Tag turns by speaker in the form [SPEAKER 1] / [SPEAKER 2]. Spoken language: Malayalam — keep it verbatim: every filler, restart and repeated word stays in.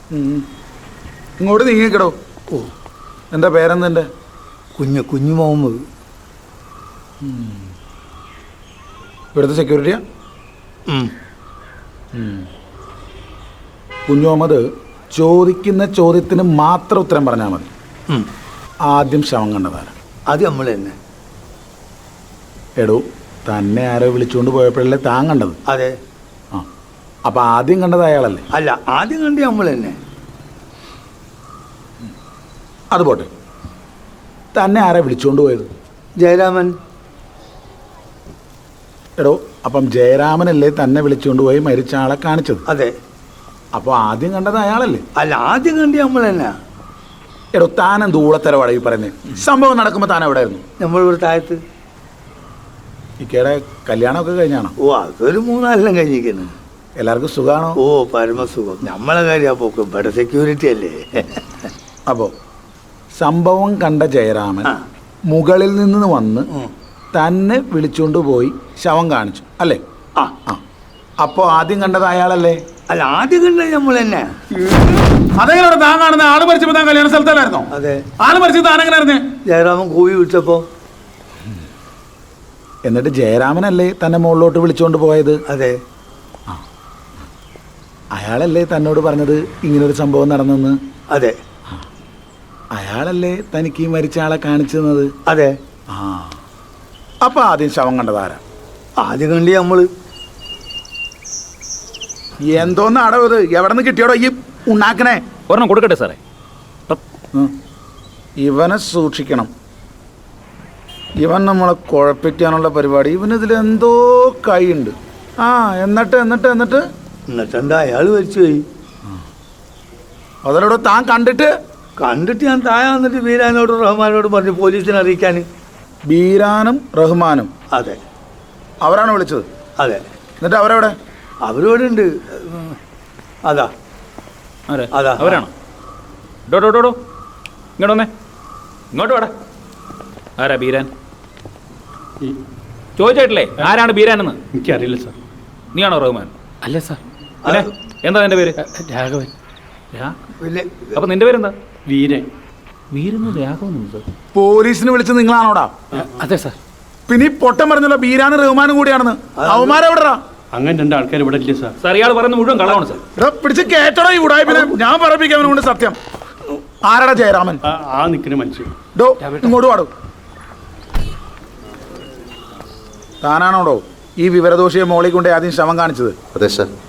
[SPEAKER 1] ഇങ്ങോട്ട് നീങ്ങിക്കടോ. ഓ, എന്താ പേരെന്തെൻ്റെ?
[SPEAKER 2] കുഞ്ഞു കുഞ്ഞു മുഹമ്മദ്.
[SPEAKER 1] ഇവിടുത്തെ സെക്യൂരിറ്റിയാ? കുഞ്ഞു മുഹമ്മദ്, ചോദിക്കുന്ന ചോദ്യത്തിന് മാത്രം ഉത്തരം പറഞ്ഞാൽ മതി. ആദ്യം ശവം കണ്ടതാരാ?
[SPEAKER 2] അത് നമ്മൾ തന്നെ.
[SPEAKER 1] എടോ, തന്നെ ആരോ വിളിച്ചുകൊണ്ട് പോയപ്പോഴല്ലേ താൻ കണ്ടത്?
[SPEAKER 2] അതെ.
[SPEAKER 1] ആ, അപ്പം ആദ്യം കണ്ടത് അയാളല്ലേ?
[SPEAKER 2] അല്ല, ആദ്യം കണ്ടി നമ്മൾ തന്നെ.
[SPEAKER 1] അത് പോട്ടെ, തന്നെ ആരാ വിളിച്ചുകൊണ്ട് പോയത്?
[SPEAKER 2] ജയരാമൻ.
[SPEAKER 1] എടോ, അപ്പം ജയരാമനല്ലേ തന്നെ വിളിച്ചുകൊണ്ട് പോയി മരിച്ച ആളെ കാണിച്ചത്?
[SPEAKER 2] അതെ.
[SPEAKER 1] അപ്പോൾ ആദ്യം കണ്ടത് അയാളല്ലേ?
[SPEAKER 2] അല്ല, ആദ്യം കണ്ടി നമ്മൾ തന്നെ.
[SPEAKER 1] എടോ, താനെന്ത് ഊളത്തരവാടാ ഈ പറയുന്നത്? സംഭവം നടക്കുമ്പോൾ താൻ എവിടെ ആയിരുന്നു?
[SPEAKER 2] നമ്മളിവിടെ താഴത്ത്.
[SPEAKER 1] ഇക്കയുടെ കല്യാണമൊക്കെ കഴിഞ്ഞാണോ?
[SPEAKER 2] ഓ, അതൊരു മൂന്നാലെല്ലാം കഴിഞ്ഞിരിക്കുന്നു.
[SPEAKER 1] എല്ലാവർക്കും സുഖമാണോ?
[SPEAKER 2] ഓ, പരമസുഖം. നമ്മളെ കാര്യം പോക്ക് ഇവിടെ സെക്യൂരിറ്റി അല്ലേ.
[SPEAKER 1] അപ്പോൾ സംഭവം കണ്ട ജയരാമൻ മുകളിൽ നിന്ന് വന്ന് തന്നെ വിളിച്ചുകൊണ്ട് പോയി ശവം കാണിച്ചു അല്ലേ?
[SPEAKER 2] ആ
[SPEAKER 1] ആ അപ്പോൾ ആദ്യം കണ്ടത് അയാളല്ലേ?
[SPEAKER 2] അല്ല, ആദ്യം കണ്ടത് നമ്മൾ തന്നെ.
[SPEAKER 1] അതെങ്ങനെ താൻ കാണുന്ന? ആള് മരിച്ചപ്പോൾ താൻ കല്യാണ സ്ഥലത്തല്ലായിരുന്നോ?
[SPEAKER 2] അതെ.
[SPEAKER 1] ആള് മരിച്ചത് താനെങ്ങനെ അറിഞ്ഞേ?
[SPEAKER 2] ജയരാമൻ കൂവി വിളിച്ചപ്പോ.
[SPEAKER 1] എന്നിട്ട് ജയരാമനല്ലേ തന്നെ മുകളിലോട്ട് വിളിച്ചുകൊണ്ട് പോയത്?
[SPEAKER 2] അതെ.
[SPEAKER 1] ആ, അയാളല്ലേ തന്നോട് പറഞ്ഞത് ഇങ്ങനൊരു സംഭവം നടന്നെന്ന്?
[SPEAKER 2] അതെ.
[SPEAKER 1] അയാളല്ലേ തനിക്ക് ഈ മരിച്ച ആളെ കാണിച്ചു തന്നത്?
[SPEAKER 2] അതെ.
[SPEAKER 1] ആ, അപ്പൊ ആദ്യം ശവം കണ്ടതാരാ?
[SPEAKER 2] ആദ്യം കണ്ടി നമ്മള്.
[SPEAKER 1] എന്തോന്ന് അടവ് ഇത്? എവിടെ നിന്ന് കിട്ടിയോടോ ഈ ഉണ്ടാക്കണേ?
[SPEAKER 3] ഒരെണ്ണം കൊടുക്കട്ടെ സാറേ.
[SPEAKER 1] ഇവനെ സൂക്ഷിക്കണം. ഇവൻ നമ്മളെ കുഴപ്പിക്കാനുള്ള പരിപാടി. ഇവനിതിലെന്തോ കൈയുണ്ട്. ആ, എന്നിട്ട് എന്നിട്ട് എന്നിട്ട്
[SPEAKER 2] എന്നിട്ട് എന്താ, അയാൾ മരിച്ചു പോയി.
[SPEAKER 1] അതിലൂടെ താൻ കണ്ടിട്ട്?
[SPEAKER 2] കണ്ടിട്ട് ഞാൻ താഴെ വന്നിട്ട് ബീരാനോടും റഹ്മാനോടും പറഞ്ഞു പോലീസിനെ അറിയിക്കാൻ.
[SPEAKER 1] ബീരാനും റഹ്മാനും?
[SPEAKER 2] അതെ.
[SPEAKER 1] അവരാണ് വിളിച്ചത്?
[SPEAKER 2] അതെ.
[SPEAKER 1] എന്നിട്ട് അവരെവിടെ?
[SPEAKER 2] അവരോട് ഉണ്ട്. അതാ അതാ
[SPEAKER 3] അവരാണോ? ഡോ ഡോ ഡോ ഡോ ഇങ്ങോട്ട് വന്നേ, ഇങ്ങോട്ട് വേടാ. ആരാ ബീരാൻ? ചോദിച്ചിട്ടില്ലേ ആരാണ് ബീരാനെന്ന്?
[SPEAKER 4] എനിക്കറിയില്ല സാർ.
[SPEAKER 3] നീയാണോ റഹ്മാൻ?
[SPEAKER 4] അല്ല സാർ.
[SPEAKER 3] അല്ലേ, എന്താ നിന്റെ പേര്?
[SPEAKER 4] രാഘവൻ.
[SPEAKER 3] അപ്പൊ നിന്റെ പേരെന്താ?
[SPEAKER 4] വീരൻ.
[SPEAKER 3] വീരനും രാഘവനും സാർ.
[SPEAKER 1] പോലീസിന് വിളിച്ചത് നിങ്ങളാണോടാ?
[SPEAKER 4] അതെ സാർ.
[SPEAKER 1] പിന്നെ ഈ പൊട്ടം പറഞ്ഞല്ലോ ബീരാനും റഹ്മാനും കൂടിയാണെന്ന്. അവന്മാരെവിടാ?
[SPEAKER 4] അങ്ങനെ രണ്ട് ആൾക്കാർ ഇവിടെ ഇല്ല സാർ.
[SPEAKER 3] സാർ, ഇയാൾ പറയുന്നത് മുഴുവൻ കളവാണ് സാർ.
[SPEAKER 1] ഇവിടെ പിടിച്ച് കേട്ടോടോ ഈ ഉടായ്പിനെ. ഞാൻ പറപ്പിക്കാൻ കൊണ്ട് സത്യം. ആരാടാ ജയരാമൻ?
[SPEAKER 4] ആ നിൽക്കുന്ന മനുഷ്യൻ.
[SPEAKER 1] ഡോ, ഇങ്ങോട്ട് പാടും. താനാണോടോ ഈ വിവരദോഷിയെ മോളിൽ കൊണ്ട് ആദ്യം ശവം കാണിച്ചത്?
[SPEAKER 5] അതെ സാർ.